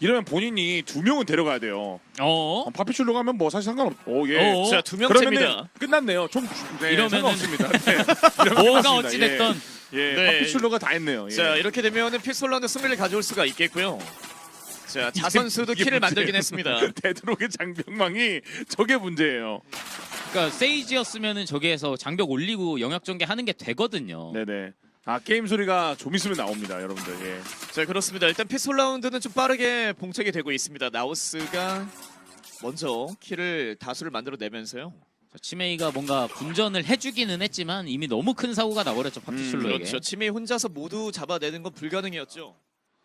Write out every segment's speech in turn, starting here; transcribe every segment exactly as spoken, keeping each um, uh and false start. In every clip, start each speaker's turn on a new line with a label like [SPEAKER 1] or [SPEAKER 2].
[SPEAKER 1] 이러면 본인이 두 명은 데려가야 돼요.
[SPEAKER 2] 어?
[SPEAKER 1] 어, 파피출로 가면 뭐 사실 상관없. 오 예.
[SPEAKER 2] 어?
[SPEAKER 3] 자, 두
[SPEAKER 1] 그러면은
[SPEAKER 3] 명째입니다.
[SPEAKER 1] 끝났네요. 총 네,
[SPEAKER 2] 이러면은-
[SPEAKER 1] 상관없습니다. 네. 이러면
[SPEAKER 2] 뭐가
[SPEAKER 1] 끝났습니다.
[SPEAKER 2] 어찌됐던
[SPEAKER 1] 예, 예.
[SPEAKER 3] 네.
[SPEAKER 1] 파피출로가 다 했네요. 예.
[SPEAKER 3] 자, 이렇게 되면은 피스톨라운드 승리를 가져올 수가 있겠고요. 자, 자 선수도
[SPEAKER 1] 이게
[SPEAKER 3] 킬을
[SPEAKER 1] 문제예요.
[SPEAKER 3] 만들긴 했습니다.
[SPEAKER 1] 데드록의 장병망이 저게 문제예요.
[SPEAKER 2] 그러니까 세이지였으면은 저기에서 장벽 올리고 영역 전개 하는 게 되거든요.
[SPEAKER 1] 네네. 아 게임 소리가 좀 있으면 나옵니다, 여러분들. 예.
[SPEAKER 3] 자, 그렇습니다. 일단 피스톨라운드는 좀 빠르게 봉착이 되고 있습니다. 나우스가 먼저 킬을 다수를 만들어내면서요.
[SPEAKER 2] 자, 치메이가 뭔가 분전을 해주기는 했지만 이미 너무 큰 사고가 나버렸죠 파피슐로에게.
[SPEAKER 3] 그렇죠. 치메이 혼자서 모두 잡아내는 건 불가능이었죠.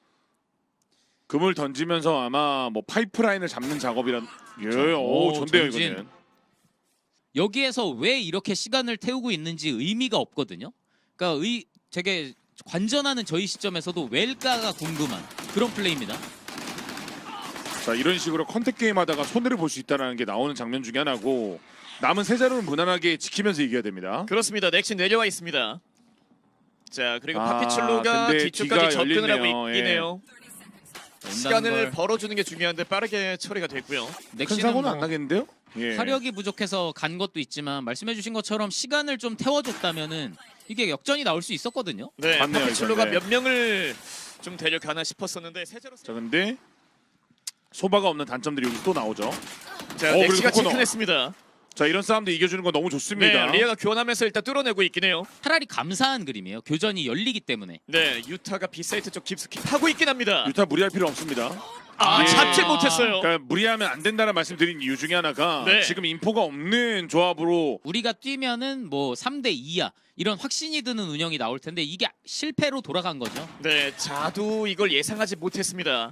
[SPEAKER 1] 금을 던지면서 아마 뭐 파이프라인을 잡는 작업이란. 예, 오,
[SPEAKER 2] 오,
[SPEAKER 1] 좋네요
[SPEAKER 2] 전진.
[SPEAKER 1] 이거는.
[SPEAKER 2] 여기에서 왜 이렇게 시간을 태우고 있는지 의미가 없거든요. 그러니까 의 되게 관전하는 저희 시점에서도 왜일까가 궁금한 그런 플레이입니다.
[SPEAKER 1] 자 이런 식으로 컨택 게임 하다가 손해를 볼 수 있다는 게 나오는 장면 중에 하나고 남은 세 자루는 무난하게 지키면서 이겨야 됩니다.
[SPEAKER 3] 그렇습니다. 넥신 내려와 있습니다. 자, 그리고
[SPEAKER 1] 아,
[SPEAKER 3] 파피출로가
[SPEAKER 1] 근데
[SPEAKER 3] 뒤쪽까지
[SPEAKER 1] 뒤가
[SPEAKER 3] 접근을
[SPEAKER 1] 열리네요.
[SPEAKER 3] 하고 있긴 해요. 시간을
[SPEAKER 2] 걸.
[SPEAKER 3] 벌어주는 게 중요한데 빠르게 처리가 됐고요.
[SPEAKER 1] 큰
[SPEAKER 2] 넥신은
[SPEAKER 1] 사고는
[SPEAKER 2] 뭐
[SPEAKER 1] 안 나겠는데요? 예.
[SPEAKER 2] 화력이 부족해서 간 것도 있지만 말씀해주신 것처럼 시간을 좀 태워줬다면은 이게 역전이 나올 수 있었거든요.
[SPEAKER 3] 네,
[SPEAKER 1] 맞네요,
[SPEAKER 3] 파피출로가
[SPEAKER 1] 이거. 네.
[SPEAKER 3] 몇 명을 좀 데려가나 싶었었는데 세제로.
[SPEAKER 1] 자 근데 소바가 없는 단점들이 여기 또 나오죠.
[SPEAKER 3] 자,
[SPEAKER 1] 어,
[SPEAKER 3] 넥시가
[SPEAKER 1] 그리고 코너.
[SPEAKER 3] 치킨했습니다.
[SPEAKER 1] 자 이런 싸움도 이겨주는 건 너무 좋습니다.
[SPEAKER 3] 네, 리아가 교환하면서 일단 뚫어내고 있긴 해요.
[SPEAKER 2] 차라리 감사한 그림이에요. 교전이 열리기 때문에.
[SPEAKER 3] 네, 유타가 B사이트 쪽 깊숙이 파고 있긴 합니다.
[SPEAKER 1] 유타 무리할 필요 없습니다.
[SPEAKER 3] 아,
[SPEAKER 1] 예.
[SPEAKER 3] 잡질 못했어요.
[SPEAKER 1] 그러니까 무리하면 안 된다는 말씀드린 이유 중에 하나가
[SPEAKER 3] 네.
[SPEAKER 1] 지금 인포가 없는 조합으로
[SPEAKER 2] 우리가 뛰면은 뭐 삼 대 이야 이런 확신이 드는 운영이 나올 텐데 이게 실패로 돌아간 거죠.
[SPEAKER 3] 네, 자도 이걸 예상하지 못했습니다.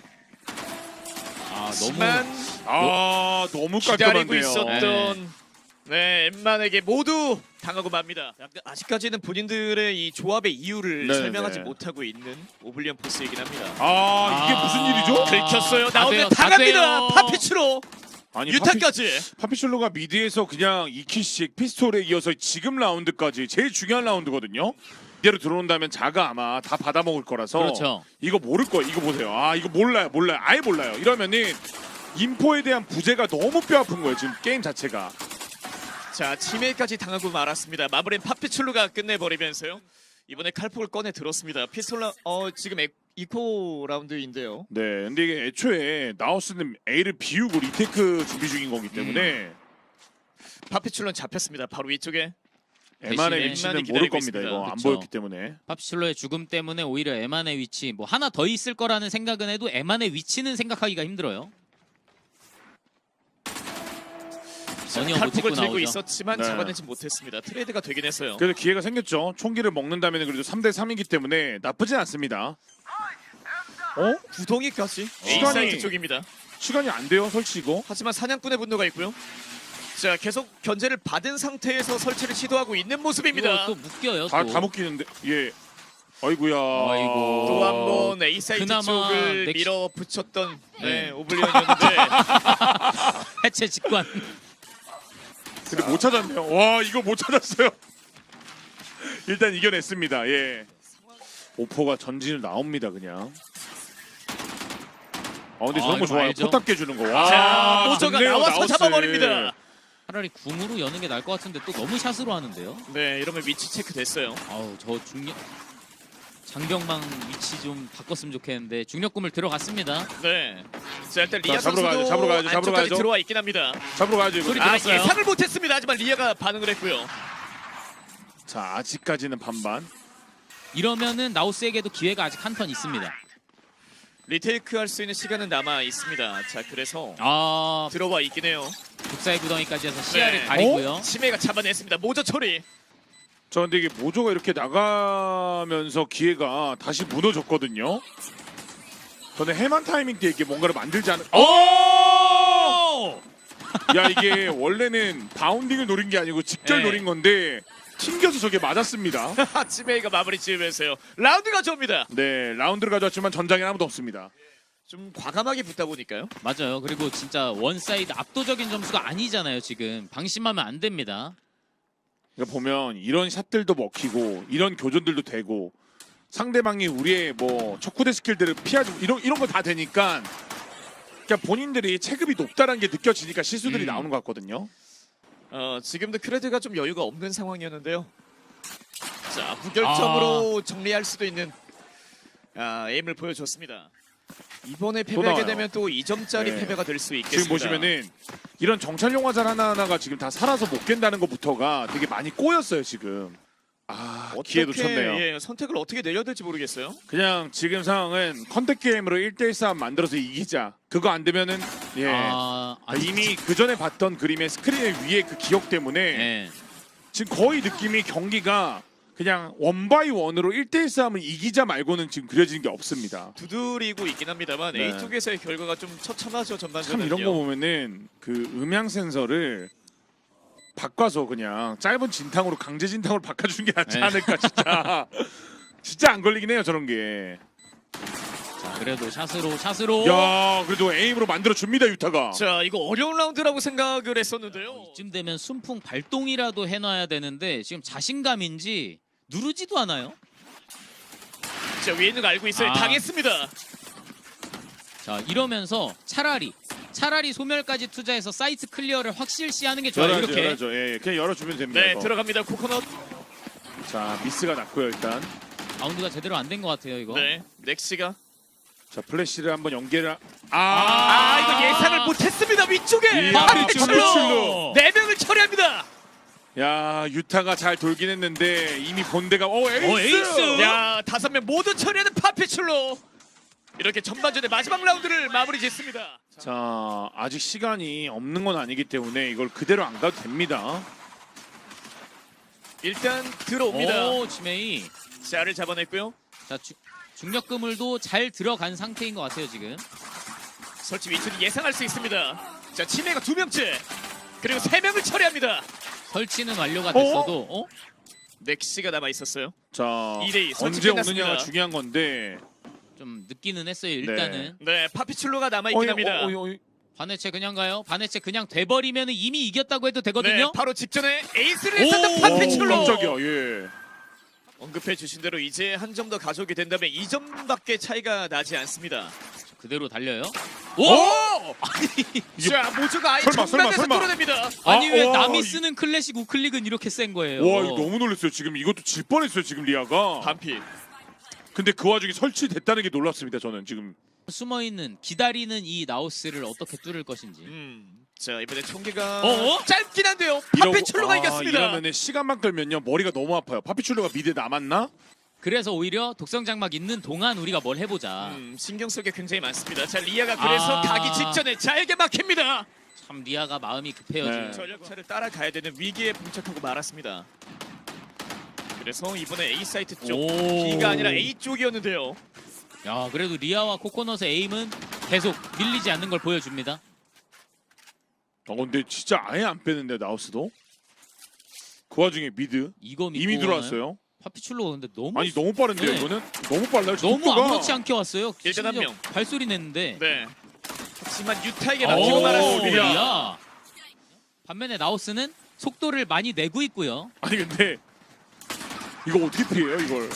[SPEAKER 2] 아
[SPEAKER 3] 하지만
[SPEAKER 1] 아 너무
[SPEAKER 3] 기다리고
[SPEAKER 1] 깔끔한데요.
[SPEAKER 3] 있었던 네, 엠만에게 모두 당하고 맙니다. 약간 아직까지는 본인들의 이 조합의 이유를
[SPEAKER 1] 네,
[SPEAKER 3] 설명하지
[SPEAKER 1] 네.
[SPEAKER 3] 못하고 있는 오블리언 포스이긴 합니다.
[SPEAKER 1] 아 이게
[SPEAKER 2] 아.
[SPEAKER 1] 무슨 일이죠?
[SPEAKER 3] 긁혔어요.
[SPEAKER 2] 다
[SPEAKER 3] 나오면
[SPEAKER 2] 돼요, 다
[SPEAKER 3] 당합니다.
[SPEAKER 2] 돼요.
[SPEAKER 3] 파피추로
[SPEAKER 1] 아니
[SPEAKER 3] 유타까지.
[SPEAKER 1] 파피, 파피슐로가 미드에서 그냥 이 킬씩 피스톨에 이어서 지금 라운드까지 제일 중요한 라운드거든요. 이대로 들어온다면 자가 아마 다 받아먹을 거라서
[SPEAKER 2] 그렇죠.
[SPEAKER 1] 이거 모를 거예요. 이거 보세요. 아 이거 몰라요 몰라요 아예 몰라요. 이러면은 인포에 대한 부재가 너무 뼈아픈 거예요 지금 게임 자체가.
[SPEAKER 3] 자, 치매까지 당하고 말았습니다. 마무리는 파피출루가 끝내버리면서요. 이번에 칼폭을 꺼내 들었습니다. 피스톨라 어 지금 에, 이코 라운드인데요.
[SPEAKER 1] 네 근데 이게 애초에 나우스는 A를 비우고 리테이크 준비 중인 거기 때문에
[SPEAKER 3] 파피출루는 잡혔습니다. 바로 위쪽에.
[SPEAKER 1] 에만의
[SPEAKER 2] 대신에
[SPEAKER 1] 위치는
[SPEAKER 3] 에만이
[SPEAKER 1] 모를
[SPEAKER 3] 기다리고
[SPEAKER 1] 겁니다.
[SPEAKER 3] 있습니다.
[SPEAKER 1] 이거 안
[SPEAKER 2] 그쵸.
[SPEAKER 1] 보였기 때문에.
[SPEAKER 2] 파피슐로의 죽음 때문에 오히려 에만의 위치 뭐 하나 더 있을 거라는 생각은 해도 에만의 위치는 생각하기가 힘들어요. 전혀 못
[SPEAKER 3] 칼폭을
[SPEAKER 2] 찍고
[SPEAKER 3] 들고
[SPEAKER 2] 나오죠.
[SPEAKER 3] 있었지만
[SPEAKER 1] 네.
[SPEAKER 3] 잡아내지 못했습니다. 트레이드가 되긴 했어요.
[SPEAKER 1] 그래도 기회가 생겼죠. 총기를 먹는다면 그래도 삼 대 삼이기 때문에 나쁘진 않습니다. 어?
[SPEAKER 3] 구덩이까지 A
[SPEAKER 1] 시간이-
[SPEAKER 3] 사이트 쪽입니다.
[SPEAKER 1] 시간이 안 돼요 설치고.
[SPEAKER 3] 하지만 사냥꾼의 분노가 있고요. 자, 계속 견제를 받은 상태에서 설치를 시도하고 있는 모습입니다.
[SPEAKER 2] 이거 또 묶여요.
[SPEAKER 1] 다,
[SPEAKER 2] 또.
[SPEAKER 1] 다 묶이는데 예. 아이고야.
[SPEAKER 2] 아이고.
[SPEAKER 3] 또 한 번 A 사이트
[SPEAKER 2] 그나마
[SPEAKER 3] 쪽을
[SPEAKER 2] 넥시-
[SPEAKER 3] 밀어붙였던 네,
[SPEAKER 2] 네.
[SPEAKER 3] 오블리언이었는데
[SPEAKER 2] 해체 직관.
[SPEAKER 1] 근데 못 찾았네요. 와 이거 못 찾았어요. 일단 이겨냈습니다. 예. 오포가 전진을 나옵니다 그냥. 아 근데
[SPEAKER 2] 아,
[SPEAKER 1] 저런 거
[SPEAKER 2] 이거
[SPEAKER 1] 좋아요.
[SPEAKER 2] 알죠?
[SPEAKER 1] 포탑 깨주는 거. 와.
[SPEAKER 3] 자, 모저가
[SPEAKER 1] 좋네요,
[SPEAKER 3] 나와서
[SPEAKER 1] 나우스.
[SPEAKER 3] 잡아버립니다.
[SPEAKER 2] 차라리 궁으로 여는 게 나을 것 같은데 또 너무 샷으로 하는데요.
[SPEAKER 3] 네, 이러면 위치 체크 됐어요.
[SPEAKER 2] 아우 저 중력 장병망 위치 좀 바꿨으면 좋겠는데 중력금을 들어갔습니다.
[SPEAKER 3] 네. 자, 일단 리아
[SPEAKER 1] 자, 잡으러
[SPEAKER 3] 선수도
[SPEAKER 1] 가야죠, 잡으러 가야죠, 잡으러
[SPEAKER 3] 안쪽까지
[SPEAKER 1] 가야죠.
[SPEAKER 3] 들어와 있긴 합니다.
[SPEAKER 1] 잡으러 가야죠 이거.
[SPEAKER 2] 소리
[SPEAKER 3] 아,
[SPEAKER 2] 들었어요?
[SPEAKER 3] 예상을 못했습니다. 하지만 리아가 반응을 했고요.
[SPEAKER 1] 자 아직까지는 반반.
[SPEAKER 2] 이러면은 나우스에게도 기회가 아직 한 턴 있습니다.
[SPEAKER 3] 리테이크 할 수 있는 시간은 남아 있습니다. 자, 그래서
[SPEAKER 2] 아
[SPEAKER 3] 들어와 있긴 해요.
[SPEAKER 2] 국사의 구덩이까지 해서 시야를
[SPEAKER 3] 네.
[SPEAKER 2] 가리고요.
[SPEAKER 3] 치매가 잡아냈습니다. 모저 처리.
[SPEAKER 1] 저 근데 이게 모조가 이렇게 나가면서 기회가 다시 무너졌거든요. 저는 해만 타이밍 때 이게 뭔가를 만들지 않은. 오! 야 이게 원래는 바운딩을 노린 게 아니고 직결
[SPEAKER 3] 네.
[SPEAKER 1] 노린 건데 튕겨서 저게 맞았습니다.
[SPEAKER 3] 치매가 마무리 지으면서요. 라운드 가져옵니다.
[SPEAKER 1] 네 라운드를 가져왔지만 전장에 아무도 없습니다.
[SPEAKER 3] 좀 과감하게 붙다 보니까요.
[SPEAKER 2] 맞아요. 그리고 진짜 원사이드 압도적인 점수가 아니잖아요. 지금 방심하면 안 됩니다.
[SPEAKER 1] 그러니까 보면 이런 샷들도 먹히고 이런 교전들도 되고 상대방이 우리의 뭐 척후대 스킬들을 피하지 이런 이런 거 다 되니까 그러니까 본인들이 체급이 높다는 게 느껴지니까 실수들이
[SPEAKER 2] 음.
[SPEAKER 1] 나오는 것 같거든요.
[SPEAKER 3] 어, 지금도 크레드가 좀 여유가 없는 상황이었는데요. 자, 무결점으로 정리할 수도 있는 아, 에임을 보여줬습니다. 이번에 패배하게
[SPEAKER 1] 나와요.
[SPEAKER 3] 되면 또 이 점짜리
[SPEAKER 1] 네.
[SPEAKER 3] 패배가 될 수 있겠습니다.
[SPEAKER 1] 지금 보시면은 이런 정찰 용화살 하나하나가 지금 다 살아서 못 깬다는 것부터가 되게 많이 꼬였어요 지금. 아 기회
[SPEAKER 3] 어떻게,
[SPEAKER 1] 놓쳤네요.
[SPEAKER 3] 예, 선택을 어떻게 내려야 될지 모르겠어요.
[SPEAKER 1] 그냥 지금 상황은 컨택 게임으로 일 대일 싸움 만들어서 이기자. 그거 안 되면은 예
[SPEAKER 2] 아, 아니,
[SPEAKER 1] 이미 그 전에 봤던 그림의 스크린 위에 그 기억 때문에
[SPEAKER 2] 예.
[SPEAKER 1] 지금 거의 느낌이 경기가 그냥 원바이 원으로 일 대일 싸움을 이기자 말고는 지금 그려지는 게 없습니다.
[SPEAKER 3] 두드리고 있긴 합니다만
[SPEAKER 1] 네.
[SPEAKER 3] 에이 쪽에서의 결과가 좀 처참하죠.
[SPEAKER 1] 참
[SPEAKER 3] 전반전은요.
[SPEAKER 1] 이런 거 보면은 그 음향 센서를 바꿔서 그냥 짧은 진탕으로 강제 진탕으로 바꿔주는 게 낫지
[SPEAKER 2] 네.
[SPEAKER 1] 않을까 진짜. 진짜 안 걸리긴 해요 저런 게.
[SPEAKER 2] 자, 그래도 샷으로 샷으로.
[SPEAKER 1] 야 그래도 에임으로 만들어 줍니다 유타가.
[SPEAKER 3] 자, 이거 어려운 라운드라고 생각을 했었는데요.
[SPEAKER 2] 이쯤 되면 순풍 발동이라도 해놔야 되는데 지금 자신감인지 누르지도 않아요.
[SPEAKER 3] 자, 위에 있는 거 알고 있어요.
[SPEAKER 2] 아.
[SPEAKER 3] 당했습니다.
[SPEAKER 2] 자, 이러면서 차라리 차라리 소멸까지 투자해서 사이트 클리어를 확실시하는 게 좋아요.
[SPEAKER 1] 열어야죠,
[SPEAKER 2] 이렇게.
[SPEAKER 1] 열어야죠. 예, 예. 그냥 열어주면 됩니다.
[SPEAKER 3] 네,
[SPEAKER 1] 이거.
[SPEAKER 3] 들어갑니다. 코코넛.
[SPEAKER 1] 자 미스가 났고요 일단.
[SPEAKER 2] 라운드가 제대로 안 된 것 같아요, 이거.
[SPEAKER 3] 네, 넥시가.
[SPEAKER 1] 자 플래시를 한번 연계를. 아,
[SPEAKER 3] 아, 이거 예상을 못했습니다. 위쪽에.
[SPEAKER 1] 이야,
[SPEAKER 3] 파피출로
[SPEAKER 1] 파피출로.
[SPEAKER 3] 네 명을 처리합니다.
[SPEAKER 1] 야 유타가 잘 돌긴 했는데 이미 본대가 어 에이스.
[SPEAKER 2] 어, 에이스!
[SPEAKER 3] 야, 다섯 명 모두 처리하는 파피출로. 이렇게 전반전의 마지막 라운드를 마무리 짓습니다.
[SPEAKER 1] 자 아직 시간이 없는 건 아니기 때문에 이걸 그대로 안 가도 됩니다.
[SPEAKER 3] 일단 들어옵니다.
[SPEAKER 2] 오, 지메이.
[SPEAKER 3] 자를 잡아냈고요.
[SPEAKER 2] 자, 주, 중력 그물도 잘 들어간 상태인 것 같아요, 지금.
[SPEAKER 3] 설치 위치는 예상할 수 있습니다. 자, 치매가 두 명째. 그리고 세 명을 처리합니다.
[SPEAKER 2] 설치는 완료가 됐어도 어?
[SPEAKER 3] 넥시가 남아 있었어요.
[SPEAKER 1] 자
[SPEAKER 3] 이 대 이 설치
[SPEAKER 1] 언제
[SPEAKER 3] 끝났습니다.
[SPEAKER 1] 오느냐가 중요한 건데.
[SPEAKER 2] 좀 늦기는 했어요, 일단은.
[SPEAKER 3] 네, 파피출로가 남아 있긴 합니다.
[SPEAKER 1] 어이, 어이, 어이.
[SPEAKER 2] 반해체 그냥 가요. 반해체 그냥 돼버리면 이미 이겼다고 해도
[SPEAKER 3] 네,
[SPEAKER 2] 되거든요.
[SPEAKER 3] 바로 직전에 에이스를
[SPEAKER 2] 오,
[SPEAKER 3] 했었던
[SPEAKER 1] 오,
[SPEAKER 3] 파피출로.
[SPEAKER 1] 깜짝이야 예.
[SPEAKER 3] 언급해 주신 대로 이제 한 점 더 가져오게 된다면 이 점밖에 차이가 나지 않습니다.
[SPEAKER 2] 그대로 달려요.
[SPEAKER 3] 오!
[SPEAKER 1] 이게-
[SPEAKER 3] 자, 모조가 아예
[SPEAKER 1] 설마, 설마,
[SPEAKER 3] 정면에서
[SPEAKER 1] 설마.
[SPEAKER 3] 뚫어냅니다.
[SPEAKER 2] 아니
[SPEAKER 1] 아,
[SPEAKER 2] 왜
[SPEAKER 1] 와,
[SPEAKER 2] 남이
[SPEAKER 1] 이-
[SPEAKER 2] 쓰는 클래식 우클릭은 이렇게 센 거예요?
[SPEAKER 1] 와 이거 너무 놀랐어요 지금. 이것도 질 뻔했어요 지금 리아가.
[SPEAKER 3] 반피.
[SPEAKER 1] 근데 그 와중에 설치됐다는 게 놀랍습니다 저는 지금.
[SPEAKER 2] 숨어 있는 기다리는 이 나우스를 어떻게 뚫을 것인지.
[SPEAKER 3] 음. 자, 이번에 총기가
[SPEAKER 2] 어어?
[SPEAKER 3] 짧긴 한데요.
[SPEAKER 1] 이러고-
[SPEAKER 3] 파피출로가
[SPEAKER 1] 아,
[SPEAKER 3] 이겼습니다.
[SPEAKER 1] 이러면은 시간만 끌면요 머리가 너무 아파요. 파피출로가 미드에 남았나?
[SPEAKER 2] 그래서 오히려 독성 장막 있는 동안 우리가 뭘 해보자.
[SPEAKER 3] 음, 신경 쓸 게 굉장히 많습니다. 자, 리아가 그래서
[SPEAKER 2] 아.
[SPEAKER 3] 가기 직전에 잘게 막힙니다.
[SPEAKER 2] 참 리아가 마음이 급해요
[SPEAKER 1] 네.
[SPEAKER 2] 지금.
[SPEAKER 3] 전력차를 따라가야 되는 위기에 봉착하고 말았습니다. 그래서 이번에 A 사이트 쪽,
[SPEAKER 2] 오.
[SPEAKER 3] B가 아니라 A 쪽이었는데요.
[SPEAKER 2] 야 그래도 리아와 코코넛의 에임은 계속 밀리지 않는 걸 보여줍니다.
[SPEAKER 1] 어 근데 진짜 아예 안 빼는데 나우스도. 그 와중에 미드
[SPEAKER 2] 이거 믿고
[SPEAKER 1] 이미
[SPEAKER 2] 오나요?
[SPEAKER 1] 들어왔어요.
[SPEAKER 2] 파피출로 근데 너무
[SPEAKER 1] 아니 너무 빠른데요
[SPEAKER 2] 네.
[SPEAKER 1] 이거는? 너무 빨라요.
[SPEAKER 2] 너무
[SPEAKER 1] 속도가.
[SPEAKER 2] 아무렇지 않게 왔어요.
[SPEAKER 3] 일단 한
[SPEAKER 2] 심지어
[SPEAKER 3] 명.
[SPEAKER 2] 발소리 냈는데.
[SPEAKER 3] 네. 하지만 유타에게
[SPEAKER 2] 오,
[SPEAKER 3] 막히고 말았습니다.
[SPEAKER 2] 리아. 반면에 나우스는 속도를 많이 내고 있고요.
[SPEAKER 1] 아니 근데 이거 어떻게 피해요 이걸?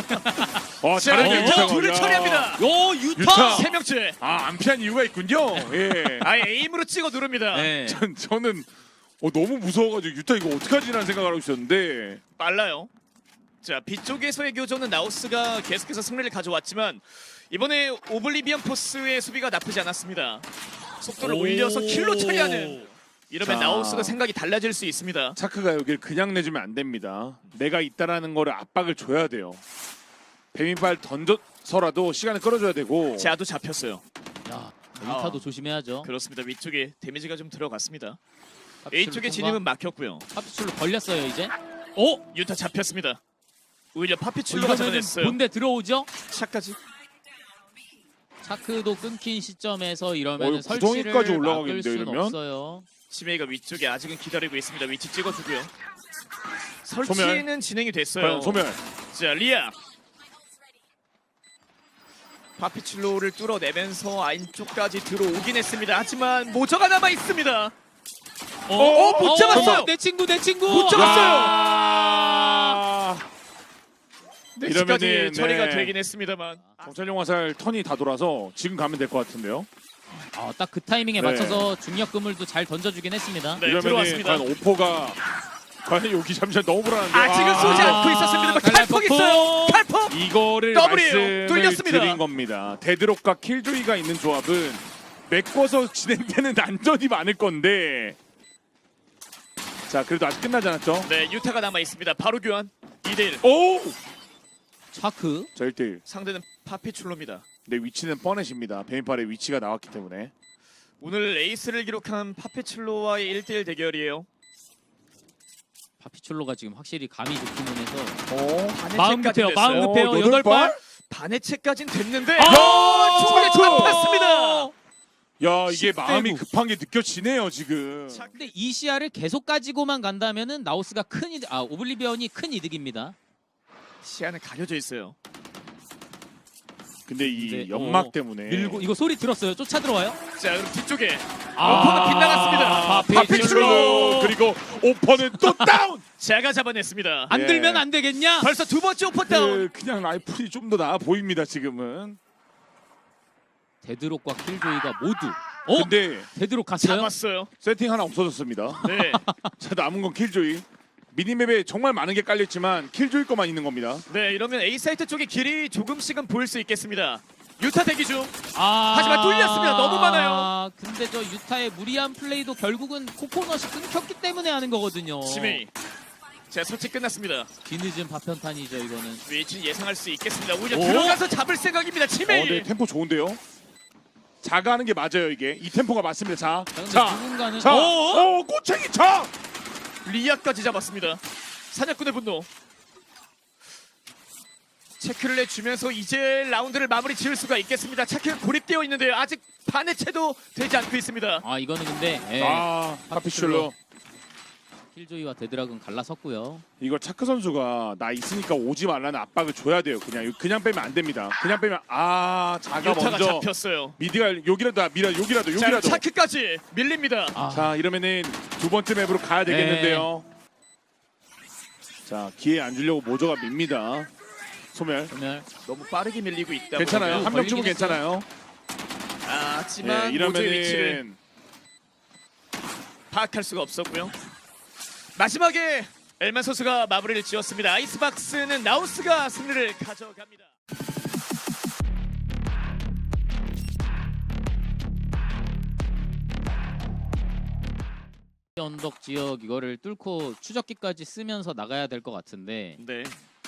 [SPEAKER 1] 아
[SPEAKER 3] 자,
[SPEAKER 1] 잘했네
[SPEAKER 2] 어,
[SPEAKER 3] 유타
[SPEAKER 1] 유타가.
[SPEAKER 3] 둘을
[SPEAKER 1] 야.
[SPEAKER 3] 처리합니다.
[SPEAKER 2] 요 유타.
[SPEAKER 1] 유타.
[SPEAKER 3] 세 명째.
[SPEAKER 1] 아, 안 피한 이유가 있군요. 예.
[SPEAKER 3] 아예 에임으로 찍어 누릅니다.
[SPEAKER 2] 네.
[SPEAKER 1] 전, 저는 어, 너무 무서워가지고 유타 이거 어떡하지라는 생각을 하고 있었는데
[SPEAKER 3] 빨라요. 자, B 쪽에서의 교전은 나우스가 계속해서 승리를 가져왔지만 이번에 오블리비언 포스의 수비가 나쁘지 않았습니다. 속도를
[SPEAKER 2] 오.
[SPEAKER 3] 올려서 킬로 처리하는. 이러면
[SPEAKER 1] 자.
[SPEAKER 3] 나우스가 생각이 달라질 수 있습니다.
[SPEAKER 1] 차크가 여길 그냥 내주면 안 됩니다. 내가 있다라는 거를 압박을 줘야 돼요. 배민발 던져서라도 시간을 끌어줘야 되고.
[SPEAKER 3] 자도 잡혔어요.
[SPEAKER 2] 야 유타도 조심해야죠.
[SPEAKER 3] 그렇습니다. 위쪽에 데미지가 좀 들어갔습니다.
[SPEAKER 2] 파피출로
[SPEAKER 3] A 쪽의
[SPEAKER 2] 통과.
[SPEAKER 3] 진입은 막혔고요.
[SPEAKER 2] 파피출로 걸렸어요 이제. 어?
[SPEAKER 3] 유타 잡혔습니다. 오히려 파피출로가
[SPEAKER 2] 이러면은
[SPEAKER 3] 잡아냈어요.
[SPEAKER 2] 본대 들어오죠?
[SPEAKER 3] 차까지.
[SPEAKER 2] 차크도 끊긴 시점에서 이러면
[SPEAKER 1] 어,
[SPEAKER 2] 설치를
[SPEAKER 1] 구덩이까지
[SPEAKER 2] 막을
[SPEAKER 1] 올라가겠는데요,
[SPEAKER 2] 수는
[SPEAKER 1] 이러면?
[SPEAKER 2] 없어요.
[SPEAKER 3] 치메이가 위쪽에 아직은 기다리고 있습니다. 위치 찍어주고요. 설치는 진행이 됐어요.
[SPEAKER 1] 과연 소멸.
[SPEAKER 3] 자, 리아. 파피출로를 뚫어내면서 안쪽까지 들어오긴 했습니다. 하지만 모저가 남아 있습니다.
[SPEAKER 2] 어,
[SPEAKER 3] 어, 못 잡았어요.
[SPEAKER 2] 내 친구 내 친구.
[SPEAKER 3] 못 잡았어요.
[SPEAKER 1] 아,
[SPEAKER 3] 내치까지
[SPEAKER 1] 이러면은,
[SPEAKER 3] 처리가
[SPEAKER 1] 네.
[SPEAKER 3] 되긴 했습니다만
[SPEAKER 1] 정찰용 화살 턴이 다 돌아서 지금 가면 될 것 같은데요.
[SPEAKER 2] 아, 딱 그 타이밍에
[SPEAKER 1] 네.
[SPEAKER 2] 맞춰서 중력 그물도 잘 던져주긴 했습니다.
[SPEAKER 3] 네,
[SPEAKER 1] 이러면은
[SPEAKER 3] 들어왔습니다.
[SPEAKER 1] 과연 오퍼가 과연 여기 잠시만 너무 불안한데.
[SPEAKER 3] 아직은
[SPEAKER 1] 아,
[SPEAKER 3] 쏘지 않고
[SPEAKER 2] 아,
[SPEAKER 3] 있었습니다만
[SPEAKER 2] 갈라포.
[SPEAKER 3] 칼폭 있어요. 칼폭.
[SPEAKER 1] 이거를
[SPEAKER 3] 더블이에요.
[SPEAKER 1] 말씀을
[SPEAKER 3] 뚫렸습니다.
[SPEAKER 1] 드린 겁니다. 데드록과 킬조이가 있는 조합은 메꿔서 진행되는 난전이 많을 건데. 자, 그래도 아직 끝나지 않았죠?
[SPEAKER 3] 네, 유타가 남아 있습니다. 바로 교환. 이 대 일.
[SPEAKER 1] 오!
[SPEAKER 2] 차크.
[SPEAKER 1] 자, 일 대 일.
[SPEAKER 3] 상대는 파피출로입니다.
[SPEAKER 1] 내 위치는 뻔해집니다. 베인팔의 위치가 나왔기 때문에.
[SPEAKER 3] 오늘 에이스를 기록한 파피출로와의 일 대 일 대결이에요.
[SPEAKER 2] 파피출로가 지금 확실히 감이 좋기는 해서
[SPEAKER 1] 어?
[SPEAKER 2] 마음 급해요.
[SPEAKER 3] 됐어요.
[SPEAKER 2] 마음 급해요.
[SPEAKER 1] 어,
[SPEAKER 2] 여덟 발.
[SPEAKER 3] 반해체까진 됐는데
[SPEAKER 2] 아,
[SPEAKER 3] 총에
[SPEAKER 1] 차크!
[SPEAKER 3] 잡혔습니다.
[SPEAKER 1] 야, 이게
[SPEAKER 2] 십 대
[SPEAKER 1] 마음이
[SPEAKER 2] 구.
[SPEAKER 1] 급한 게 느껴지네요, 지금.
[SPEAKER 3] 자,
[SPEAKER 2] 근데 이 시야를 계속 가지고만 간다면은 나우스가 큰 이득, 아 오블리비언이 큰 이득입니다.
[SPEAKER 3] 시야는 가려져 있어요.
[SPEAKER 1] 근데 이
[SPEAKER 2] 근데,
[SPEAKER 1] 연막
[SPEAKER 2] 어,
[SPEAKER 1] 때문에
[SPEAKER 2] 밀고 이거 소리 들었어요? 쫓아 들어와요?
[SPEAKER 3] 자, 그럼 뒤쪽에
[SPEAKER 2] 아,
[SPEAKER 3] 오퍼가 빗나갔습니다.
[SPEAKER 2] 파피출로.
[SPEAKER 1] 파피출로 그리고 오퍼는 또 다운.
[SPEAKER 3] 제가 잡아냈습니다.
[SPEAKER 2] 안
[SPEAKER 1] 예.
[SPEAKER 2] 들면 안 되겠냐?
[SPEAKER 3] 벌써 두 번째 오퍼 다운.
[SPEAKER 1] 그, 그냥 라이플이 좀 더 나아 보입니다, 지금은.
[SPEAKER 2] 데드록과 킬조이가 모두. 어?
[SPEAKER 1] 근데
[SPEAKER 2] 데드록 갔어요?
[SPEAKER 3] 잡았어요.
[SPEAKER 1] 세팅 하나 없어졌습니다.
[SPEAKER 3] 네.
[SPEAKER 1] 자, 남은 건 킬조이. 미니맵에 정말 많은 게 깔렸지만 킬조이 것만 있는 겁니다.
[SPEAKER 3] 네, 이러면 A 사이트 쪽의 길이 조금씩은 보일 수 있겠습니다. 유타 대기 중.
[SPEAKER 2] 아,
[SPEAKER 3] 하지만 뚫렸습니다. 너무 많아요.
[SPEAKER 2] 근데 저 유타의 무리한 플레이도 결국은 코코넛이 끊겼기 때문에 하는 거거든요.
[SPEAKER 3] 지메이. 자, 설치 끝났습니다.
[SPEAKER 2] 뒤늦은 파편탄이죠 이거는.
[SPEAKER 3] 위치는 예상할 수 있겠습니다. 오히려
[SPEAKER 2] 오?
[SPEAKER 3] 들어가서 잡을 생각입니다.
[SPEAKER 1] 어,
[SPEAKER 3] 지메이.
[SPEAKER 1] 네, 템포 좋은데요. 자가하는 게 맞아요, 이게. 이 템포가 맞습니다. 자,
[SPEAKER 2] 자, 근데
[SPEAKER 1] 자,
[SPEAKER 2] 누군가는
[SPEAKER 1] 자,
[SPEAKER 2] 어?
[SPEAKER 1] 어, 꼬챙이 자.
[SPEAKER 3] 리아까지 잡았습니다. 사냥꾼의 분노. 체크를 내주면서 이제 라운드를 마무리 지을 수가 있겠습니다. 체크가 고립되어 있는데요. 아직 반의 채도 되지 않고 있습니다.
[SPEAKER 2] 아 이거는 근데 예,
[SPEAKER 1] 아, 파피슐로.
[SPEAKER 2] 킬조이와 데드락은 갈라섰고요.
[SPEAKER 1] 이거 차크 선수가 나 있으니까 오지 말라는 압박을 줘야 돼요. 그냥 그냥 빼면 안 됩니다. 그냥 빼면 아, 자가
[SPEAKER 3] 유타가
[SPEAKER 1] 먼저
[SPEAKER 3] 잡혔어요.
[SPEAKER 1] 미디가 여기라도 미라 여기라도
[SPEAKER 3] 자,
[SPEAKER 1] 여기라도.
[SPEAKER 3] 차크까지 밀립니다.
[SPEAKER 2] 아,
[SPEAKER 1] 자, 이러면은 두 번째 맵으로 가야 되겠는데요. 자, 기회 안 주려고 모조가 밉니다. 소멸.
[SPEAKER 2] 그러면
[SPEAKER 3] 너무 빠르게 밀리고 있다.
[SPEAKER 1] 괜찮아요.
[SPEAKER 3] 보니까.
[SPEAKER 1] 한 명 주면
[SPEAKER 2] 걸리긴
[SPEAKER 1] 괜찮아요.
[SPEAKER 3] 아, 하지만
[SPEAKER 1] 예,
[SPEAKER 3] 모조의 위치를
[SPEAKER 1] 이러면은
[SPEAKER 3] 파악할 수가 없었고요. 마지막에 엘만 선수가 마무리를 지었습니다. 아이스박스는 나우스가 승리를 가져갑니다.
[SPEAKER 2] 언덕 지역 이거를 뚫고 추적기까지 쓰면서 나가야 될 것 같은데
[SPEAKER 3] 네.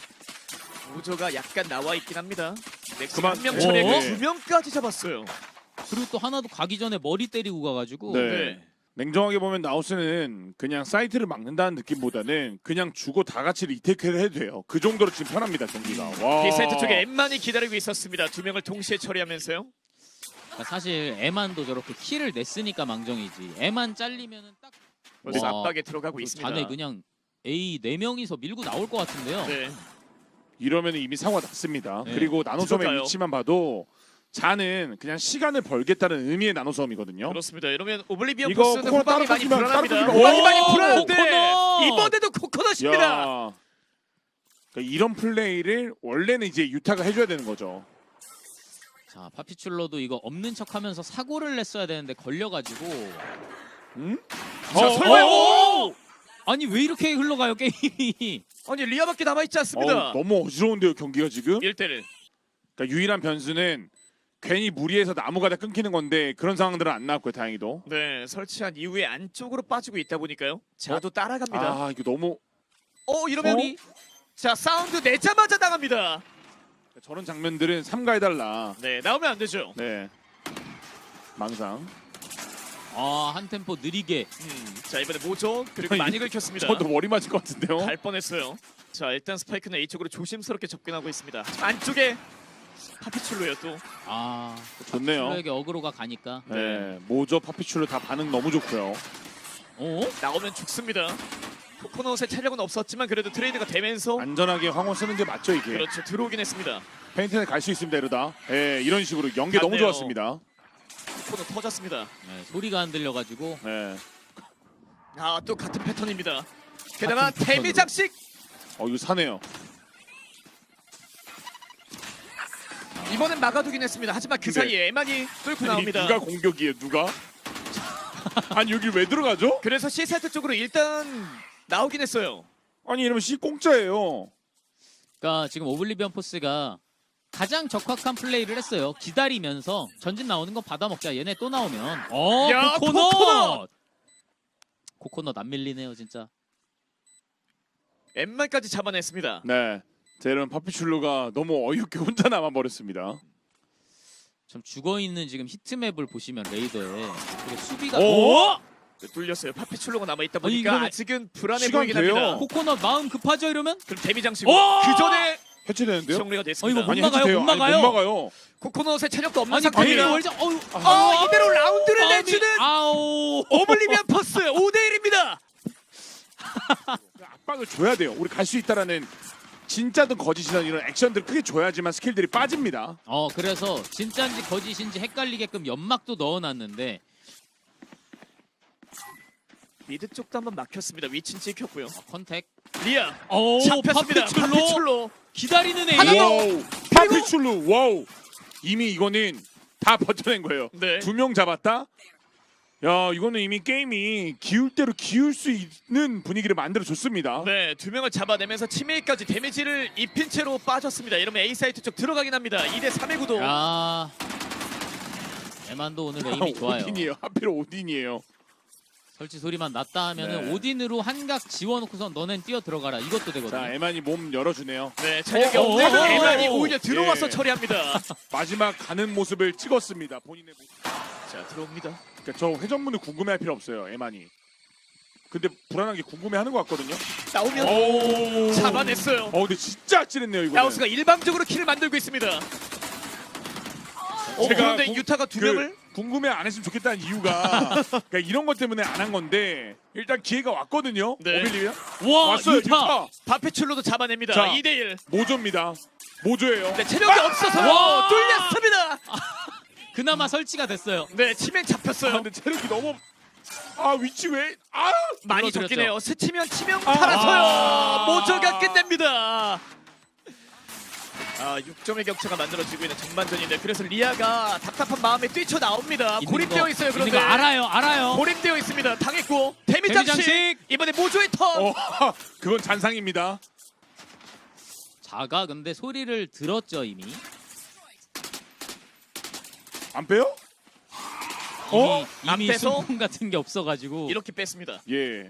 [SPEAKER 3] 모조가 약간 나와 있긴 합니다. 넥슨
[SPEAKER 1] 그만-
[SPEAKER 3] 한명
[SPEAKER 2] 어?
[SPEAKER 3] 처리했고
[SPEAKER 1] 네.
[SPEAKER 3] 두 명까지 잡았어요.
[SPEAKER 2] 그리고 또 하나도 가기 전에 머리 때리고 가가지고
[SPEAKER 1] 네.
[SPEAKER 3] 네.
[SPEAKER 1] 냉정하게 보면 나우스는 그냥 사이트를 막는다는 느낌보다는 그냥 주고 다 같이 리테이크를 해도 돼요. 그 정도로 지금 편합니다, 경기가. 와.
[SPEAKER 3] B사이트 쪽에 엠만이 기다리고 있었습니다. 두 명을 동시에 처리하면서요.
[SPEAKER 2] 그러니까 사실 에만도 저렇게 킬을 냈으니까 망정이지. 에만 잘리면은 딱
[SPEAKER 3] 벌써
[SPEAKER 2] 와,
[SPEAKER 3] 압박에 들어가고
[SPEAKER 2] 그
[SPEAKER 3] 있습니다.
[SPEAKER 2] 자네 그냥 A 네 명이서 밀고 나올 것 같은데요.
[SPEAKER 3] 네.
[SPEAKER 1] 이러면 이미 사고가 났습니다.
[SPEAKER 2] 네.
[SPEAKER 1] 그리고 나노섬의
[SPEAKER 3] 들어가요.
[SPEAKER 1] 위치만 봐도 자는 그냥 시간을 벌겠다는 의미의 나노섬이거든요.
[SPEAKER 3] 그렇습니다. 이러면 오블리비언
[SPEAKER 1] 이거
[SPEAKER 3] 포스는
[SPEAKER 1] 코코넛
[SPEAKER 3] 후방이 많이
[SPEAKER 1] 따로
[SPEAKER 3] 불안합니다.
[SPEAKER 1] 끊기면-
[SPEAKER 3] 후방이
[SPEAKER 1] 오!
[SPEAKER 3] 많이 불안한데
[SPEAKER 2] 코코넛!
[SPEAKER 3] 이번에도 코코넛입니다.
[SPEAKER 1] 야. 그러니까 이런 플레이를 원래는 이제 유타가 해줘야 되는 거죠.
[SPEAKER 2] 자 파피출로도 이거 없는 척하면서 사고를 냈어야 되는데 걸려가지고
[SPEAKER 1] 응?
[SPEAKER 3] 자,
[SPEAKER 1] 어,
[SPEAKER 3] 설마
[SPEAKER 1] 어,
[SPEAKER 3] 오!
[SPEAKER 2] 아니 왜 이렇게 흘러가요 게임이?
[SPEAKER 3] 아니 리아밖에 남아 있지 않습니다.
[SPEAKER 1] 어, 너무 어지러운데요, 경기가 지금.
[SPEAKER 3] 일 대 일.
[SPEAKER 1] 그러니까 유일한 변수는 괜히 무리해서 나무가 다 끊기는 건데 그런 상황들은 안 나왔고요, 다행히도.
[SPEAKER 3] 네, 설치한 이후에 안쪽으로 빠지고 있다 보니까요. 자도 따라갑니다.
[SPEAKER 1] 아, 이거 너무
[SPEAKER 3] 어, 이러면
[SPEAKER 2] 어?
[SPEAKER 3] 자 사운드 내자마자 나갑니다.
[SPEAKER 1] 저런 장면들은 삼가해달라.
[SPEAKER 3] 네, 나오면 안 되죠.
[SPEAKER 1] 네. 망상.
[SPEAKER 2] 아한 템포 느리게.
[SPEAKER 3] 음, 자 이번에 모조 그리고 많이 긁혔습니다.
[SPEAKER 1] 저도 머리 맞을 것 같은데요.
[SPEAKER 3] 갈 뻔했어요. 자 일단 스파이크는 A쪽으로 조심스럽게 접근하고 있습니다. 안쪽에 파피출로요 또.
[SPEAKER 2] 아
[SPEAKER 1] 좋네요.
[SPEAKER 2] 파피출로에게 어그로가 가니까.
[SPEAKER 1] 네, 모조 파피출로 다 반응 너무 좋고요.
[SPEAKER 2] 어?
[SPEAKER 3] 나오면 죽습니다. 코코넛의 체력은 없었지만 그래도 트레이드가 되면서
[SPEAKER 1] 안전하게 황혼 쓰는 게 맞죠, 이게.
[SPEAKER 3] 그렇죠 들어오긴 했습니다.
[SPEAKER 1] 페인트에 갈 수 있습니다, 이러다. 예, 이런 식으로 연계 너무
[SPEAKER 3] 맞네요.
[SPEAKER 1] 좋았습니다.
[SPEAKER 3] 코코넛 터졌습니다.
[SPEAKER 2] 네, 소리가 안 들려가지고.
[SPEAKER 1] 예.
[SPEAKER 3] 아 또 같은 패턴입니다. 게다가
[SPEAKER 2] 같은
[SPEAKER 3] 데미
[SPEAKER 2] 패턴으로.
[SPEAKER 3] 장식.
[SPEAKER 1] 어, 이거 사네요.
[SPEAKER 3] 이번엔 막아두긴 했습니다. 하지만 그
[SPEAKER 1] 근데-
[SPEAKER 3] 사이에 에만이 뚫고
[SPEAKER 1] 아니,
[SPEAKER 3] 나옵니다.
[SPEAKER 1] 누가 공격이에요? 누가? 아니 여기 왜 들어가죠?
[SPEAKER 3] 그래서 C사이트 쪽으로 일단 나오긴 했어요.
[SPEAKER 1] 아니 이러면 C 공짜예요.
[SPEAKER 2] 그러니까 지금 오블리비언 포스가 가장 적확한 플레이를 했어요. 기다리면서 전진 나오는 거 받아먹자. 얘네 또 나오면 어
[SPEAKER 3] 야,
[SPEAKER 2] 코코넛!
[SPEAKER 3] 코코넛!
[SPEAKER 2] 코코넛 안 밀리네요 진짜.
[SPEAKER 3] 엠만까지 잡아냈습니다.
[SPEAKER 1] 네. 자, 여러분 파피출루가 너무 어이없게 혼자 남아 버렸습니다.
[SPEAKER 2] 좀 죽어있는 지금 히트맵을 보시면 레이더에 되게 수비가
[SPEAKER 1] 오!
[SPEAKER 3] 네, 뚫렸어요. 파피출로가 남아있다
[SPEAKER 2] 아니,
[SPEAKER 3] 보니까
[SPEAKER 2] 이거는-
[SPEAKER 3] 아직은 불안해
[SPEAKER 1] 시간
[SPEAKER 3] 보이긴
[SPEAKER 1] 돼요.
[SPEAKER 3] 합니다.
[SPEAKER 2] 코코넛 마음 급하죠 이러면?
[SPEAKER 3] 그럼 데미 장식
[SPEAKER 2] 오!
[SPEAKER 3] 그 전에
[SPEAKER 1] 해체되는데요?
[SPEAKER 3] 정리가 됐습니다.
[SPEAKER 2] 어, 이거 못
[SPEAKER 1] 아니
[SPEAKER 2] 막아요,
[SPEAKER 1] 해체돼요.
[SPEAKER 2] 못
[SPEAKER 1] 아니,
[SPEAKER 2] 막아요.
[SPEAKER 1] 못 막아요.
[SPEAKER 3] 코코넛의 체력도 없는
[SPEAKER 2] 아니
[SPEAKER 3] 상태입니다.
[SPEAKER 2] 거기 월자 어유
[SPEAKER 3] 아, 이대로 라운드를
[SPEAKER 2] 마음이-
[SPEAKER 3] 내주는
[SPEAKER 2] 아우
[SPEAKER 3] 오블리비언 퍼스 오 대 일입니다.
[SPEAKER 1] 압박을 줘야 돼요. 우리 갈 수 있다라는 진짜든 거짓이든 이런 액션들 크게 줘야지만 스킬들이 빠집니다.
[SPEAKER 2] 어 그래서 진짜인지 거짓인지 헷갈리게끔 연막도 넣어놨는데
[SPEAKER 3] 미드 쪽도 한번 막혔습니다. 위치는 찍혔고요.
[SPEAKER 2] 어, 컨택
[SPEAKER 3] 리아
[SPEAKER 2] 오
[SPEAKER 3] 잡혔습니다.
[SPEAKER 2] 파피출로
[SPEAKER 3] 파피출로.
[SPEAKER 2] 기다리는 애
[SPEAKER 3] 하나 더!
[SPEAKER 1] 와우. 파피출루 와우. 이미 이거는 다 버텨낸 거예요.
[SPEAKER 3] 네.
[SPEAKER 1] 두 명 잡았다. 야 이거는 이미 게임이 기울 대로 기울 수 있는 분위기를 만들어 줬습니다.
[SPEAKER 3] 네, 두 명을 잡아내면서 치메이까지 데미지를 입힌 채로 빠졌습니다. 이러면 A 사이트 쪽 들어가긴 합니다. 이 대 삼의 구도.
[SPEAKER 2] 야 에만도 오늘 에임이 좋아요.
[SPEAKER 1] 오딘이에요. 하필 오딘이에요.
[SPEAKER 2] 설치 소리만 났다 하면은
[SPEAKER 1] 네.
[SPEAKER 2] 오딘으로 한각 지워놓고서 너넨 뛰어 들어가라 이것도
[SPEAKER 1] 자
[SPEAKER 2] 되거든요.
[SPEAKER 1] 에만이 몸 열어주네요.
[SPEAKER 3] 네, 체력이
[SPEAKER 1] 어, 어,
[SPEAKER 3] 없는
[SPEAKER 1] 어,
[SPEAKER 3] 에만이
[SPEAKER 1] 어, 어.
[SPEAKER 3] 오히려 들어와서
[SPEAKER 1] 예.
[SPEAKER 3] 처리합니다.
[SPEAKER 1] 마지막 가는 모습을 찍었습니다. 본인의 모습.
[SPEAKER 3] 자, 들어옵니다.
[SPEAKER 1] 그러니까 저 회전문을 궁금해할 필요 없어요. 에만이. 근데 불안한 게 궁금해하는 것 같거든요.
[SPEAKER 3] 나오면
[SPEAKER 1] 오.
[SPEAKER 3] 잡아냈어요.
[SPEAKER 1] 어 근데 진짜 아찔했네요 이거.
[SPEAKER 3] 야우스가 일방적으로 킬을 만들고 있습니다. 어,
[SPEAKER 1] 제가
[SPEAKER 3] 그런데
[SPEAKER 1] 구-
[SPEAKER 3] 유타가 두
[SPEAKER 1] 그
[SPEAKER 3] 명을
[SPEAKER 1] 궁금해 안 했으면 좋겠다는 이유가 그러니까 이런 것 때문에 안 한 건데 일단 기회가 왔거든요.
[SPEAKER 3] 네.
[SPEAKER 1] 오빌리비언
[SPEAKER 2] 와
[SPEAKER 1] 왔어요.
[SPEAKER 2] 유타.
[SPEAKER 1] 유타.
[SPEAKER 3] 바페출로도 잡아냅니다.
[SPEAKER 1] 자.
[SPEAKER 3] 이 대 일.
[SPEAKER 1] 모조입니다. 모조예요.
[SPEAKER 3] 네, 체력이 없어서
[SPEAKER 2] 와.
[SPEAKER 3] 뚫렸습니다.
[SPEAKER 2] 그나마 설치가 됐어요.
[SPEAKER 3] 네, 치면
[SPEAKER 1] 아,
[SPEAKER 3] 잡혔어요.
[SPEAKER 1] 근데 체력이 너무 아 위치 왜? 아
[SPEAKER 3] 많이
[SPEAKER 2] 눌러드렸죠.
[SPEAKER 3] 적긴 해요. 스치면 치명
[SPEAKER 1] 아.
[SPEAKER 3] 팔아서요. 모조가 끝냅니다. 아, 육 점의 격차가 만들어지고 있는 전반전인데 그래서 리아가 답답한 마음에 뛰쳐나옵니다.
[SPEAKER 2] 있는
[SPEAKER 3] 고립되어
[SPEAKER 2] 거,
[SPEAKER 3] 있어요.
[SPEAKER 2] 있는
[SPEAKER 3] 그런데
[SPEAKER 2] 거 알아요, 알아요.
[SPEAKER 3] 고립되어 있습니다. 당했고
[SPEAKER 2] 데미
[SPEAKER 3] 데미장식
[SPEAKER 2] 장식!
[SPEAKER 3] 이번에 모조의 턴.
[SPEAKER 1] 어, 그건 잔상입니다.
[SPEAKER 2] 자가 근데 소리를 들었죠 이미.
[SPEAKER 1] 안 빼요? 어?
[SPEAKER 2] 이미,
[SPEAKER 3] 안
[SPEAKER 2] 이미
[SPEAKER 3] 빼서?
[SPEAKER 2] 순풍 같은 게 없어가지고.
[SPEAKER 3] 이렇게 뺐습니다.
[SPEAKER 1] 예.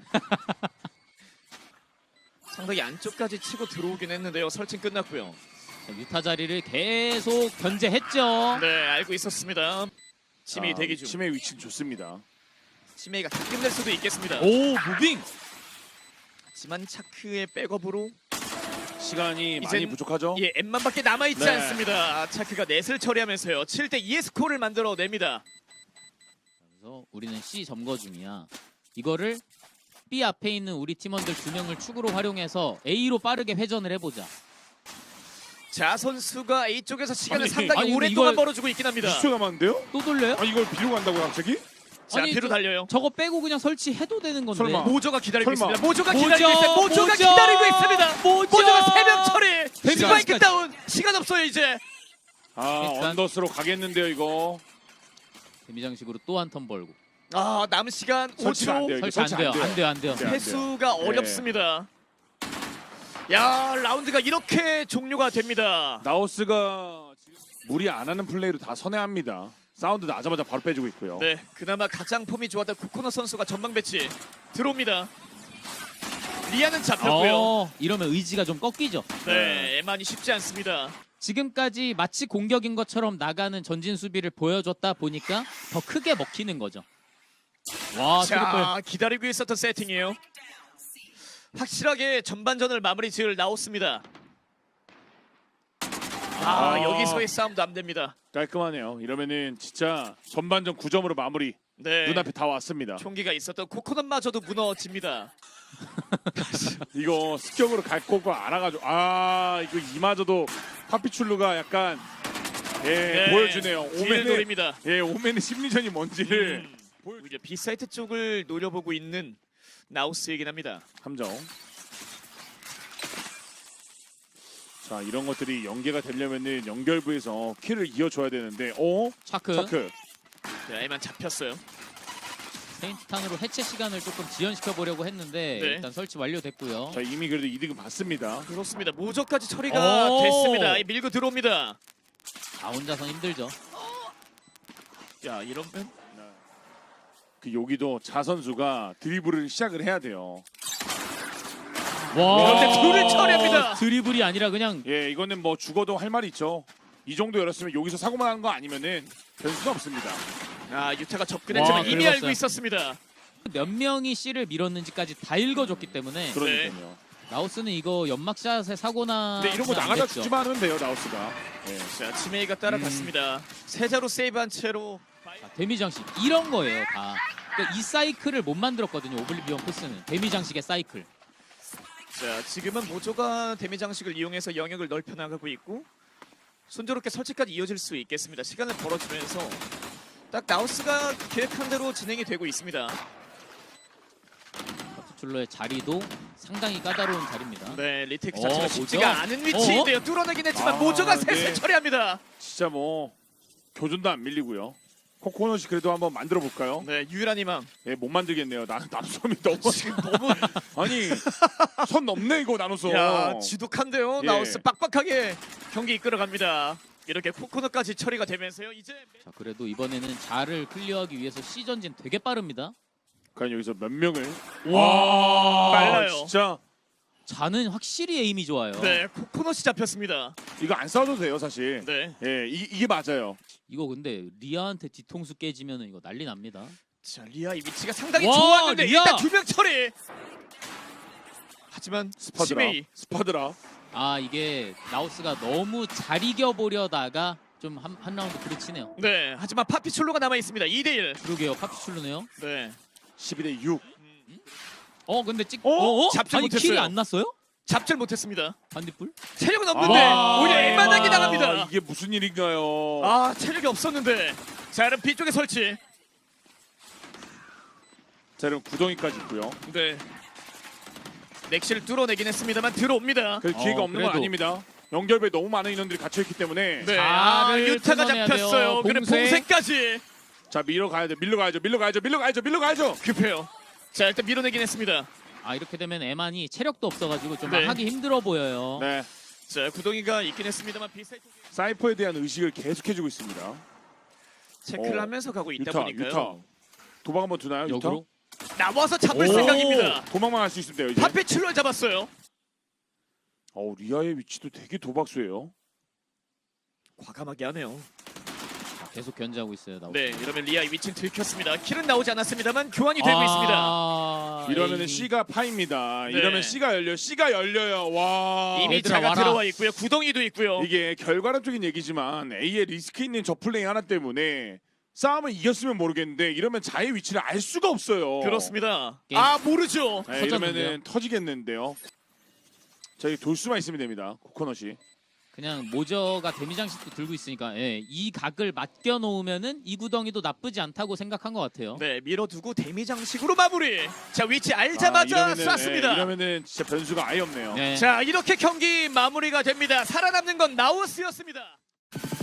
[SPEAKER 3] 상당히 안쪽까지 치고 들어오긴 했는데요. 설치 끝났고요.
[SPEAKER 2] 자, 유타 자리를 계속 견제했죠.
[SPEAKER 3] 네, 알고 있었습니다. 치메이
[SPEAKER 1] 아,
[SPEAKER 3] 대기 중.
[SPEAKER 1] 치매의 위치는 좋습니다.
[SPEAKER 3] 치메이가 다 끝낼 수도 있겠습니다.
[SPEAKER 2] 오 무빙.
[SPEAKER 3] 하지만 차크의 백업으로
[SPEAKER 1] 시간이 많이
[SPEAKER 3] 이젠-
[SPEAKER 1] 부족하죠?
[SPEAKER 3] 예, M만밖에 남아있지
[SPEAKER 1] 네.
[SPEAKER 3] 않습니다. 차크가 넷을 처리하면서요. 칠 대 이의 스코어를 만들어냅니다.
[SPEAKER 2] 그래서 우리는 C 점거 중이야. 이거를 B 앞에 있는 우리 팀원들 두 명을 축으로 활용해서 A로 빠르게 회전을 해보자.
[SPEAKER 3] 자, 선수가 A 쪽에서 시간을
[SPEAKER 1] 아니,
[SPEAKER 3] 상당히
[SPEAKER 2] 아니, 근데
[SPEAKER 3] 오랫동안
[SPEAKER 2] 이걸-
[SPEAKER 3] 벌어주고 있긴 합니다.
[SPEAKER 1] 이십 초 남았는데요?
[SPEAKER 2] 또 돌려요?
[SPEAKER 1] 아 이걸 비로 간다고 갑자기?
[SPEAKER 3] 자,
[SPEAKER 2] 아니,
[SPEAKER 3] 뒤로
[SPEAKER 2] 저-
[SPEAKER 3] 달려요.
[SPEAKER 2] 저거 빼고 그냥 설치해도 되는 건데.
[SPEAKER 1] 설마.
[SPEAKER 3] 모조가 기다리고
[SPEAKER 1] 설마.
[SPEAKER 3] 있습니다. 모조가
[SPEAKER 2] 모조,
[SPEAKER 3] 기다리고 있어요. 모조가
[SPEAKER 2] 모조,
[SPEAKER 3] 기다리고 있습니다.
[SPEAKER 2] 모조.
[SPEAKER 3] 모조가 세 명 처리.
[SPEAKER 2] 데미
[SPEAKER 3] 스파이크
[SPEAKER 2] 장식까지.
[SPEAKER 3] 다운. 시간 없어요 이제.
[SPEAKER 1] 아
[SPEAKER 2] 일단-
[SPEAKER 1] 언더스로 가겠는데요 이거.
[SPEAKER 2] 데미장식으로 또 한 턴 벌고.
[SPEAKER 3] 아, 남은 시간
[SPEAKER 1] 설치가 안
[SPEAKER 3] 오 초.
[SPEAKER 1] 돼요. 이거
[SPEAKER 2] 설치 안 돼요, 안 돼요, 안 돼요.
[SPEAKER 1] 안 돼요.
[SPEAKER 3] 회수가
[SPEAKER 1] 네.
[SPEAKER 3] 어렵습니다. 야, 라운드가 이렇게 종료가 됩니다.
[SPEAKER 1] 나우스가 지금 무리 안 하는 플레이로 다 선회합니다. 사운드 나자마자 바로 빼주고 있고요.
[SPEAKER 3] 네, 그나마 가장 폼이 좋았던 코코넛 선수가 전방 배치 들어옵니다. 리아는 잡혔고요.
[SPEAKER 2] 어, 이러면 의지가 좀 꺾이죠.
[SPEAKER 3] 네, 에만이 쉽지 않습니다.
[SPEAKER 2] 지금까지 마치 공격인 것처럼 나가는 전진 수비를 보여줬다 보니까 더 크게 먹히는 거죠. 와, 트리플.
[SPEAKER 3] 자, 기다리고 있었던 세팅이에요. 확실하게 전반전을 마무리 지을 나왔습니다. 아,
[SPEAKER 1] 아.
[SPEAKER 3] 여기서의 싸움도 안 됩니다.
[SPEAKER 1] 깔끔하네요. 이러면은 진짜 전반전 구 점으로 마무리.
[SPEAKER 3] 네,
[SPEAKER 1] 눈앞에 다 왔습니다.
[SPEAKER 3] 총기가 있었던 코코넛마저도 무너집니다.
[SPEAKER 1] 이거 습격으로 갈 거가 알아가지고 아 이거 이마저도 파피출루가 약간 예
[SPEAKER 3] 네,
[SPEAKER 1] 보여주네요.
[SPEAKER 3] 뒤를
[SPEAKER 1] 오맨의
[SPEAKER 3] 노립니다.
[SPEAKER 1] 예 오맨의 심리전이 뭔지를
[SPEAKER 3] 음, 오히려 B사이트 쪽을 노려보고 있는 나우스이긴 합니다.
[SPEAKER 1] 함정. 자 이런 것들이 연계가 되려면은 연결부에서 킬을 이어줘야 되는데 어?
[SPEAKER 2] 차크.
[SPEAKER 1] 차크
[SPEAKER 3] 자, 에만 잡혔어요.
[SPEAKER 2] 페인트탄으로 해체 시간을 조금 지연시켜 보려고 했는데
[SPEAKER 3] 네.
[SPEAKER 2] 일단 설치 완료됐고요.
[SPEAKER 1] 자 이미 그래도 이득은 봤습니다.
[SPEAKER 3] 그렇습니다. 모조까지 처리가
[SPEAKER 2] 오!
[SPEAKER 3] 됐습니다. 이 밀고 들어옵니다.
[SPEAKER 2] 아 혼자선 힘들죠.
[SPEAKER 3] 야, 이러면
[SPEAKER 1] 그 여기도 자 선수가 드리블을 시작을 해야 돼요.
[SPEAKER 2] 와.
[SPEAKER 3] 그런데 둘을 처리합니다.
[SPEAKER 2] 드리블이 아니라 그냥
[SPEAKER 1] 예 이거는 뭐 죽어도 할 말이 있죠. 이 정도 열었으면 여기서 사고만 한 거 아니면은 변수가 없습니다.
[SPEAKER 3] 아, 유타가 접근했지만
[SPEAKER 2] 와,
[SPEAKER 3] 이미
[SPEAKER 2] 긁었어요.
[SPEAKER 3] 알고 있었습니다.
[SPEAKER 2] 몇 명이 C를 밀었는지까지 다 읽어줬기 때문에
[SPEAKER 1] 그러니까요.
[SPEAKER 2] 나우스는 이거 연막샷에 사고나.
[SPEAKER 1] 근데 이런 거 나가다 죽지만 하면 돼요 나우스가. 예.
[SPEAKER 3] 자, 치메이가 따라갔습니다. 세자로 세이브한 채로
[SPEAKER 2] 자, 데미 장식 이런 거예요 다. 그러니까 이 사이클을 못 만들었거든요. 오블리비언 포스는 데미 장식의 사이클.
[SPEAKER 3] 자, 지금은 모조가 데미 장식을 이용해서 영역을 넓혀 나가고 있고 순조롭게 설치까지 이어질 수 있겠습니다. 시간을 벌어주면서 딱 나우스가 계획한 대로 진행이 되고 있습니다.
[SPEAKER 2] 파투출로의 자리도 상당히 까다로운 자리입니다.
[SPEAKER 3] 네, 리테이크
[SPEAKER 2] 어,
[SPEAKER 3] 자체가
[SPEAKER 2] 뭐죠?
[SPEAKER 3] 쉽지가 않은 위치인데요. 뚫어내긴 했지만
[SPEAKER 1] 아,
[SPEAKER 3] 모조가 셋을
[SPEAKER 1] 네.
[SPEAKER 3] 처리합니다.
[SPEAKER 1] 진짜 뭐 교전도 안 밀리고요. 코코넛이 그래도 한번 만들어 볼까요?
[SPEAKER 3] 네, 유일한 희망.
[SPEAKER 1] 예, 못 만들겠네요. 나 나노섬이 너무
[SPEAKER 3] 지금 너무
[SPEAKER 1] 아니 선 넘네 이거 나노섬.
[SPEAKER 3] 야, 지독한데요.
[SPEAKER 1] 예.
[SPEAKER 3] 나우스 빡빡하게 경기 이끌어갑니다. 이렇게 코코넛까지 처리가 되면서요. 이제
[SPEAKER 2] 자 그래도 이번에는 자를 클리어하기 위해서 C 전진 되게 빠릅니다.
[SPEAKER 1] 과연 여기서 몇 명을
[SPEAKER 2] 와
[SPEAKER 3] 빨라요.
[SPEAKER 1] 진짜
[SPEAKER 2] 자는 확실히 에임이 좋아요.
[SPEAKER 3] 네, 코코넛이 잡혔습니다.
[SPEAKER 1] 이거 안 싸워도 돼요 사실.
[SPEAKER 3] 네.
[SPEAKER 1] 예, 이, 이게 맞아요.
[SPEAKER 2] 이거 근데 리아한테 뒤통수 깨지면 이거 난리 납니다.
[SPEAKER 3] 자, 리아의 위치가 상당히
[SPEAKER 2] 와,
[SPEAKER 3] 좋았는데
[SPEAKER 2] 리아!
[SPEAKER 3] 일단 두 명 처리. 하지만
[SPEAKER 1] 스파드라.
[SPEAKER 3] 치메이
[SPEAKER 1] 스파드라.
[SPEAKER 2] 아 이게 나우스가 너무 잘 이겨보려다가 좀 한 한 라운드 부딪히네요.
[SPEAKER 3] 네, 하지만 파피출로가 남아 있습니다. 이 대 일.
[SPEAKER 2] 그러게요. 파피출루네요.
[SPEAKER 3] 네.
[SPEAKER 1] 십이 대 육.
[SPEAKER 2] 어 근데 찍.
[SPEAKER 3] 어?
[SPEAKER 2] 어? 어?
[SPEAKER 3] 잡지
[SPEAKER 2] 아니
[SPEAKER 3] 못했어요.
[SPEAKER 2] 킬이 안 났어요?
[SPEAKER 3] 잡질 못했습니다.
[SPEAKER 2] 반딧불?
[SPEAKER 3] 체력은 없는데
[SPEAKER 2] 와.
[SPEAKER 3] 오히려 일만하게
[SPEAKER 1] 아,
[SPEAKER 3] 나갑니다.
[SPEAKER 1] 이게 무슨 일인가요?
[SPEAKER 3] 아, 체력이 없었는데. 자, 그럼 B 쪽에 설치.
[SPEAKER 1] 자, 그럼 구덩이까지 있고요.
[SPEAKER 3] 네. 넥시를 뚫어내긴 했습니다만 들어옵니다.
[SPEAKER 1] 그 기회가
[SPEAKER 2] 어,
[SPEAKER 1] 없는 건
[SPEAKER 2] 그래도.
[SPEAKER 1] 아닙니다. 연결부에 너무 많은 인원들이 갇혀 있기 때문에
[SPEAKER 3] 네. 아,
[SPEAKER 2] 자를
[SPEAKER 3] 유타가
[SPEAKER 2] 끊어내야
[SPEAKER 3] 잡혔어요.
[SPEAKER 2] 돼요.
[SPEAKER 3] 그래
[SPEAKER 2] 봉쇄.
[SPEAKER 3] 봉쇄까지
[SPEAKER 1] 자 밀러 가야죠. 밀러 가야죠. 밀러 가야죠. 밀러 가야죠. 밀러 가야죠.
[SPEAKER 3] 급해요. 자, 일단 밀어내긴 했습니다.
[SPEAKER 2] 아 이렇게 되면 에만이 체력도 없어가지고 좀
[SPEAKER 3] 네.
[SPEAKER 2] 하기 힘들어 보여요.
[SPEAKER 1] 네.
[SPEAKER 3] 자, 구덩이가 있긴 했습니다만 비사이 쪽에
[SPEAKER 1] 사이퍼에 대한 의식을 계속해주고 있습니다.
[SPEAKER 3] 체크를
[SPEAKER 1] 어.
[SPEAKER 3] 하면서 가고 있다
[SPEAKER 1] 유타,
[SPEAKER 3] 보니까요.
[SPEAKER 1] 유타. 도박 한번 두나요?
[SPEAKER 2] 역으로.
[SPEAKER 3] 나와서 잡을
[SPEAKER 1] 유타?
[SPEAKER 3] 생각입니다.
[SPEAKER 1] 오, 도망만 할 수 있으면 돼요 이제.
[SPEAKER 3] 파피출로를 잡았어요.
[SPEAKER 1] 어 리아의 위치도 되게 도박수예요.
[SPEAKER 3] 과감하게 하네요.
[SPEAKER 2] 자, 계속 견제하고 있어요. 나우스.
[SPEAKER 3] 네, 이러면 리아의 위치는 들켰습니다. 킬은 나오지 않았습니다만 교환이 되고 있습니다.
[SPEAKER 2] 아,
[SPEAKER 1] 이러면은
[SPEAKER 2] 에임이.
[SPEAKER 1] C가 파입니다.
[SPEAKER 3] 네.
[SPEAKER 1] 이러면 C가 열려. C가 열려요. 와.
[SPEAKER 3] 이미
[SPEAKER 2] 얘들아,
[SPEAKER 3] 자가
[SPEAKER 2] 와라.
[SPEAKER 3] 들어와 있고요. 구덩이도 있고요.
[SPEAKER 1] 이게 결과론적인 얘기지만 A의 리스크 있는 저 플레이 하나 때문에 싸움을 이겼으면 모르겠는데 이러면 자의 위치를 알 수가 없어요.
[SPEAKER 3] 그렇습니다.
[SPEAKER 2] 게임.
[SPEAKER 3] 아, 모르죠.
[SPEAKER 1] 네,
[SPEAKER 2] 터졌는데요?
[SPEAKER 1] 이러면은 터지겠는데요. 자, 이 돌 수만 있으면 됩니다. 코코넛이.
[SPEAKER 2] 그냥 모저가 데미장식도 들고 있으니까 예, 이 각을 맡겨 놓으면은 이 구덩이도 나쁘지 않다고 생각한 것 같아요.
[SPEAKER 3] 네, 밀어두고 데미 장식으로 마무리. 자, 위치 알자마자
[SPEAKER 1] 아, 이러면은,
[SPEAKER 3] 쐈습니다.
[SPEAKER 1] 예, 이러면은 진짜 변수가 아예 없네요.
[SPEAKER 2] 네.
[SPEAKER 3] 자, 이렇게 경기 마무리가 됩니다. 살아남는 건 나우스였습니다.